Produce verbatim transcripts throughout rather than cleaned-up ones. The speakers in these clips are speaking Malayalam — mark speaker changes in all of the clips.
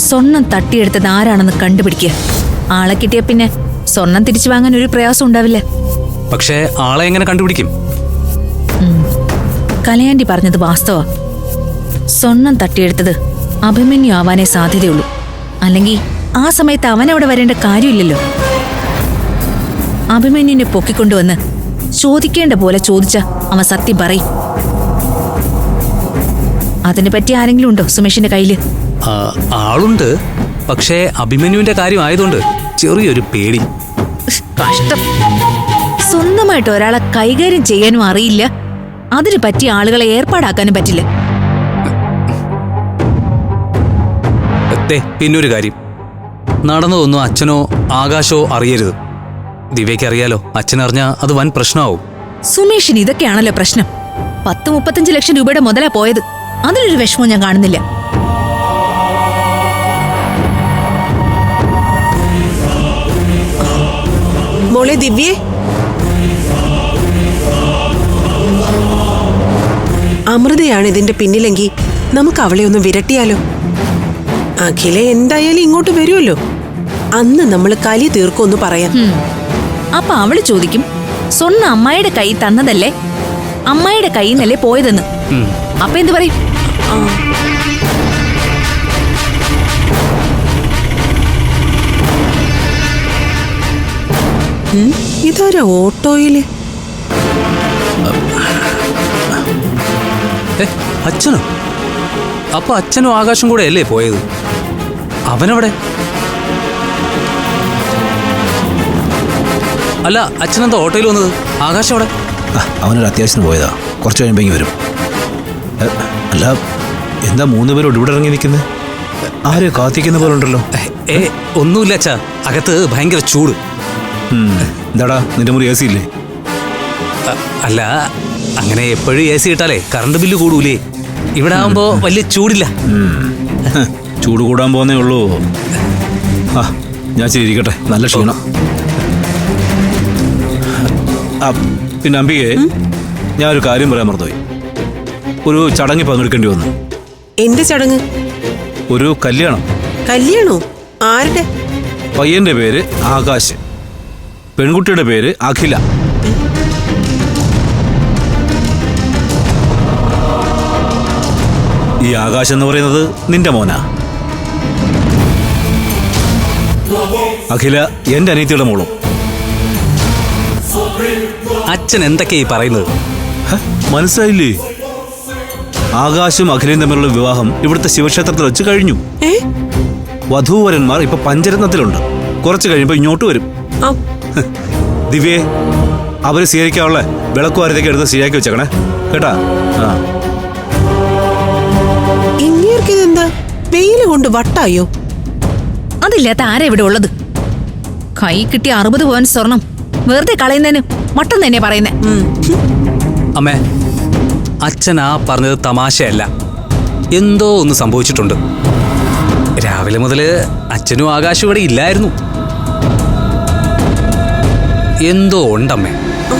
Speaker 1: സ്വർണം തട്ടിയെടുത്തത് ആരാണെന്ന് കണ്ടുപിടിക്കുക. ആളെ കിട്ടിയ പിന്നെ സ്വർണം തിരിച്ചു വാങ്ങാൻ ഒരു പ്രയാസം ഉണ്ടാവില്ല.
Speaker 2: പക്ഷേ ആളെ എങ്ങനെ കണ്ടുപിടിക്കും?
Speaker 1: കലയാണ്ടി പറഞ്ഞത് വാസ്തവ. സ്വർണം തട്ടിയെടുത്തത് അഭിമന്യു ആവാനേ സാധ്യതയുള്ളൂ. അല്ലെങ്കിൽ ആ സമയത്ത് അവനവിടെ വരേണ്ട കാര്യമില്ലല്ലോ. അഭിമന്യുവിനെ പൊക്കിക്കൊണ്ടുവന്ന് ചോദിക്കേണ്ട പോലെ ചോദിച്ച അവൻ സത്യം പറയും. അതിനെ പറ്റി ആരെങ്കിലും ഉണ്ടോ സുമേഷിന്റെ കയ്യില്?
Speaker 2: ആളുണ്ട്. പക്ഷേ അഭിമന്യുവിന്റെ കാര്യം ആയതുകൊണ്ട് ചെറിയൊരു പേടി.
Speaker 1: കഷ്ടം. സ്വന്തമായിട്ട് ഒരാളെ കൈകാര്യം ചെയ്യാനും അറിയില്ല, അതിന് പറ്റിയ ആളുകളെ ഏർപ്പാടാക്കാനും പറ്റില്ല.
Speaker 2: പിന്നൊരു കാര്യം, നടന്നതൊന്നും അച്ഛനോ ആകാശോ അറിയരുത്. ദിവ്യയ്ക്ക് അറിയാലോ, അച്ഛനറിഞ്ഞാൽ അത് വൻ പ്രശ്നമാവും.
Speaker 1: സുമേഷിന് ഇതൊക്കെയാണല്ലോ പ്രശ്നം. പത്ത് മുപ്പത്തഞ്ച് ലക്ഷം രൂപയുടെ മുതലാ പോയത്. അതിലൊരു വിഷമവും ഞാൻ കാണുന്നില്ല.
Speaker 3: മോളെ ദിവ്യേ, അമൃതയാണ് ഇതിന്റെ പിന്നിലെങ്കിൽ നമുക്ക് അവളെ ഒന്ന് വിരട്ടിയാലോ? അഖില എന്തായാലും ഇങ്ങോട്ട് വരുമല്ലോ, അന്ന് നമ്മൾ കലി തീർക്കൊന്ന് പറയാം.
Speaker 1: അപ്പൊ അവള് ചോദിക്കും, സ്വർണ്ണ അമ്മായിയുടെ കൈ തന്നതല്ലേ, അമ്മായിയുടെ കൈ നിന്നല്ലേ പോയതെന്ന്. അപ്പൊ എന്ത് പറയും?
Speaker 3: ഇതാരാ ഓട്ടോയില്?
Speaker 2: അച്ഛനോ? അപ്പൊ അച്ഛനും ആകാശം കൂടെ അല്ലേ പോയത്? അവനവിടെ? അല്ല, അച്ഛനെന്താ ഓട്ടോയിൽ വന്നത്? ആകാശം അവിടെ?
Speaker 4: അവനൊരു അത്യാവശ്യം പോയതാ, കുറച്ച് കഴിയുമ്പോ വരും. അല്ല, എന്താ മൂന്ന് പേരോട് ഇവിടെ ഇറങ്ങി നിൽക്കുന്നത്? ആരെ കാത്തിക്കുന്ന പോലെ ഉണ്ടല്ലോ.
Speaker 2: ഏ ഒന്നുമില്ല അച്ഛാ, അകത്ത് ഭയങ്കര ചൂട്.
Speaker 4: എന്താടാ, നിന്റെ മുറി എ സി ഇല്ലേ?
Speaker 2: അല്ല, അങ്ങനെ എപ്പോഴും എ സി ഇട്ടാലേ കറണ്ട് ബില്ല് കൂടൂലേ. ഇവിടെ ആവുമ്പോ വലിയ ചൂടില്ല.
Speaker 4: ചൂട് കൂടാൻ പോന്നേ ഉള്ളൂ. ആ, ഞാൻ ശരി ഇരിക്കട്ടെ, നല്ല ക്ഷീണം. ആ പിന്നെ അമ്പികയെ, ഞാൻ ഒരു കാര്യം പറയാൻ മറന്നുപോയി. ഒരു ചടങ്ങിൽ പങ്കെടുക്കേണ്ടി വന്നു.
Speaker 3: എന്ത് ചടങ്ങ്?
Speaker 4: ഒരു കല്യാണം.
Speaker 3: കല്യാണോ? ആരുടെ?
Speaker 4: പയ്യന്റെ പേര് ആകാശ്, പെൺകുട്ടിയുടെ പേര് അഖില. ഈ ആകാശ് എന്ന് പറയുന്നത് നിന്റെ മോനാ. അഖില എന്റെ അനിയത്തിയുടെ മോളും.
Speaker 2: അച്ഛൻ എന്തൊക്കെയാ ഈ പറയുന്നത്?
Speaker 4: മനസ്സിലായില്ലേ? ആകാശും അഖിലയും തമ്മിലുള്ള വിവാഹം ഇവിടുത്തെ ശിവക്ഷേത്രത്തിൽ വെച്ച് കഴിഞ്ഞു. വധൂവരന്മാർ ഇപ്പൊ പഞ്ചരത്നത്തിലുണ്ട്. കുറച്ച് കഴിയുമ്പോ ഇങ്ങോട്ട് വരും. ദിവ്യേ, അവര് സ്വീകരിക്കാനുള്ള വിളക്കുവാരത്തേക്ക് എടുത്ത് ശരിയാക്കി വെച്ചേക്കണേ കേട്ടാ. ആ,
Speaker 3: ഇങ്ങേർക്കിതെന്താ വെയില് കൊണ്ട് വട്ടായോ?
Speaker 1: അതില്ലാത്ത ആരാ ഇവിടെ ഉള്ളത്? കൈ കിട്ടിയ അറുപത് പവൻ സ്വർണം വെറുതെ കളയുന്നതിന് മട്ടം തന്നെ പറയുന്നേ.
Speaker 2: അമ്മേ, അച്ഛൻ ആ പറഞ്ഞത് തമാശയല്ല, എന്തോ ഒന്ന് സംഭവിച്ചിട്ടുണ്ട്. രാവിലെ മുതല് അച്ഛനും ആകാശം ഇവിടെ ഇല്ലായിരുന്നു. എന്തോ ഉണ്ടമ്മേ.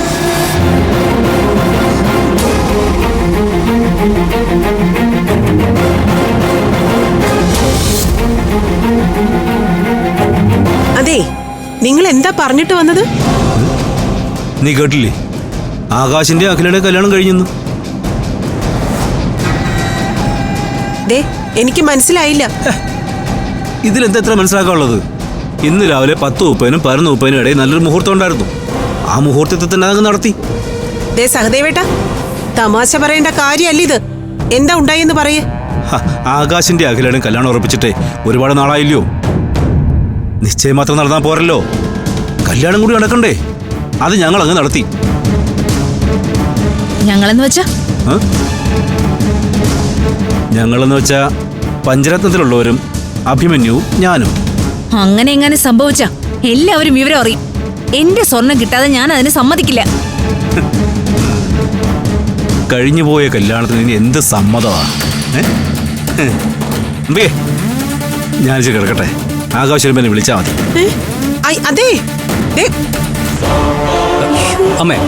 Speaker 3: അതെ, നിങ്ങൾ എന്താ പറഞ്ഞിട്ട് വന്നത്?
Speaker 4: നീ കേട്ടില്ലേ? ആകാശിന്റെ അഖിലയുടെ കല്യാണം കഴിഞ്ഞെന്ന്.
Speaker 3: ദേ, എനിക്ക് മനസ്സിലായില്ല.
Speaker 4: ഇതിലെന്താ എത്ര മനസ്സിലാക്കാനുള്ളത്? ഇന്ന് രാവിലെ പത്ത് മുപ്പതിനും പതിനൊന്ന് മുപ്പതിനും ഇടയിൽ നല്ലൊരു മുഹൂർത്തം ഉണ്ടായിരുന്നു. ആ മുഹൂർത്തത്തിൽ തന്നെ അതങ്ങ് നടത്തി.
Speaker 3: ദേ സഹദേവേട്ട, തമാശ പറയേണ്ട കാര്യമല്ല ഇത്. എന്താ ഉണ്ടായെന്ന് പറയേ.
Speaker 4: ആകാശിന്റെ അഖിലയുടെ കല്യാണം ഉറപ്പിച്ചിട്ടേ ഒരുപാട് നാളായില്ലയോ? നിശ്ചയം മാത്രം നടന്നാൽ പോരല്ലോ, കല്യാണം കൂടി നടക്കണ്ടേ? അത് ഞങ്ങൾ അങ്ങ് നടത്തി.
Speaker 1: ഞങ്ങളെന്ന് വെച്ചാ
Speaker 4: ഞങ്ങളെന്ന് വെച്ചാ പഞ്ചരത്നത്തിലുള്ളവരും അഭിമന്യുവും ഞാനും.
Speaker 1: അങ്ങനെ എങ്ങനെ സംഭവിച്ച എല്ലാവരും വിവരം അറിയും. എന്റെ സ്വർണം കിട്ടാതെ ഞാൻ അതിന് സമ്മതിക്കില്ല.
Speaker 4: കഴിഞ്ഞുപോയ കല്യാണത്തിന് ഇനി എന്ത് സമ്മതമാണ്? ഞാൻ കിടക്കട്ടെ, ആകാശം എന്നെ വിളിച്ചാൽ മതി.
Speaker 3: അതെ
Speaker 2: അമ്മേ,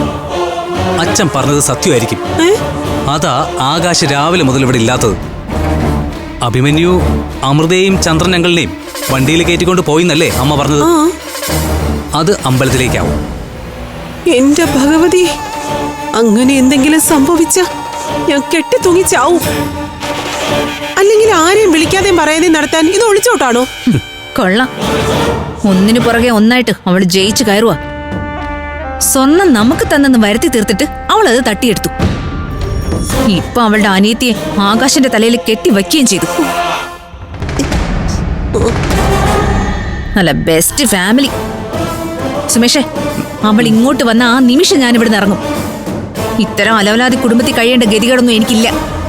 Speaker 2: അച്ഛൻ പറഞ്ഞത് സത്യമായിരിക്കും. അതാ ആകാശ് രാവിലെ മുതൽ ഇവിടെ ഇല്ലാത്തത്. അഭിമന്യു അമൃതയെയും ചന്ദ്രൻ അങ്കിളിനെയും വണ്ടിയിൽ കയറ്റിക്കൊണ്ട് പോയിന്നല്ലേ അമ്മ പറഞ്ഞത്?
Speaker 3: ആ
Speaker 2: അത് അമ്പലത്തിലേക്കാവും.
Speaker 3: എന്റെ ഭഗവതി, അങ്ങനെ എന്തെങ്കിലും സംഭവിച്ച ഞാൻ കെട്ടി തൂങ്ങി ചാവും. അല്ലെങ്കിൽ ആരെയും വിളിക്കാതെയും പറയാതെയും നടത്താൻ ഇത് ഒളിച്ചോട്ടാണോ?
Speaker 1: കൊള്ളാം, ഒന്നിനു പുറകെ ഒന്നായിട്ട് അവൾ ജയിച്ചു കയറുക. സ്വർണം നമുക്ക് തന്നെന്ന് വരുത്തി തീർത്തിട്ട് അവൾ അത് തട്ടിയെടുത്തു. ഇപ്പൊ അവളുടെ അനിയത്തിയെ ആകാശന്റെ തലയിൽ കെട്ടി വയ്ക്കുകയും ചെയ്തു. നല്ല ബെസ്റ്റ് ഫാമിലി. സുമേഷേ, അവൾ ഇങ്ങോട്ട് വന്ന ആ നിമിഷം ഞാൻ ഇവിടുന്ന് ഇറങ്ങും. ഇത്തരം അലവലാതി കുടുംബത്തിൽ കഴിയേണ്ട ഗതികളൊന്നും എനിക്കില്ല.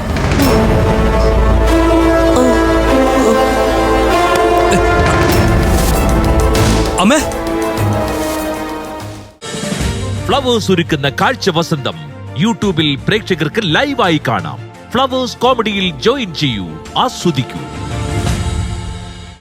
Speaker 2: അമ്മേ,
Speaker 5: ഫ്ലവേഴ്സ് ഒരുക്കുന്ന കാഴ്ച വസന്തം യൂട്യൂബിൽ പ്രേക്ഷകർക്ക് ലൈവായി കാണാം. ഫ്ലവേഴ്സ് കോമഡിയിൽ ജോയിൻ ചെയ്യൂ, ആസ്വദിക്കൂ.